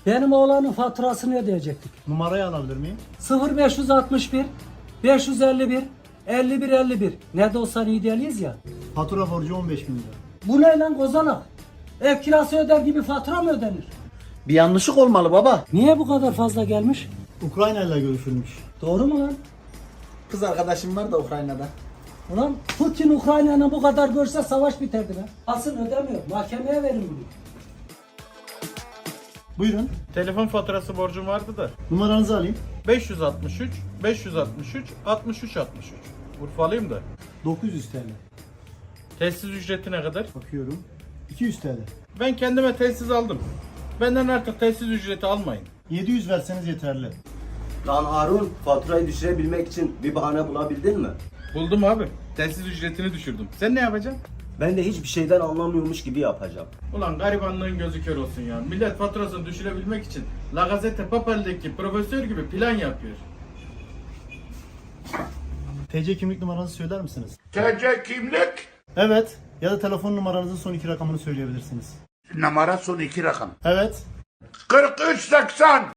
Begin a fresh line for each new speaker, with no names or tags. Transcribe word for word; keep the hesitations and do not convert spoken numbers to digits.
Benim oğlanın faturasını ödeyecektik.
Numarayı alabilir miyim?
sıfır beş altı bir beş yüz elli bir elli bir elli bir. Ne de olsa idealiyiz ya.
Fatura borcu on beş bin lira.
Bu ne lan kozalak? Ev kirası öder gibi fatura mı ödenir?
Bir yanlışlık olmalı baba.
Niye bu kadar fazla gelmiş?
Ukrayna ile görüşülmüş.
Doğru mu lan?
Kız arkadaşım var da Ukrayna'da.
Ulan Putin Ukrayna'nı bu kadar görse savaş biterdi lan. Asıl ödemiyor. Mahkemeye verin bunu.
Buyurun.
Telefon faturası borcum vardı da.
Numaranızı alayım.
beş yüz altmış üç, beş yüz altmış üç, altmış üç altmış üç. Urfalıyım da.
dokuz yüz T L.
Tesis ücreti ne kadar?
Bakıyorum. iki yüz T L.
Ben kendime tesis aldım. Benden artık tesis ücreti almayın.
yedi yüz verseniz yeterli.
Lan Harun, faturayı düşürebilmek için bir bahane bulabildin mi?
Buldum abi. Tesis ücretini düşürdüm. Sen ne yapacaksın?
Ben de hiçbir şeyden anlamıyormuş gibi yapacağım.
Ulan garibanlığın gözü kör olsun ya. Millet faturasını düşürebilmek için La Gazette Papel'deki profesör gibi plan yapıyor.
T C kimlik numaranızı söyler misiniz?
T C kimlik,
Evet. Ya da telefon numaranızın son iki rakamını söyleyebilirsiniz.
numara son iki rakam.
Evet.
kırk üç seksen.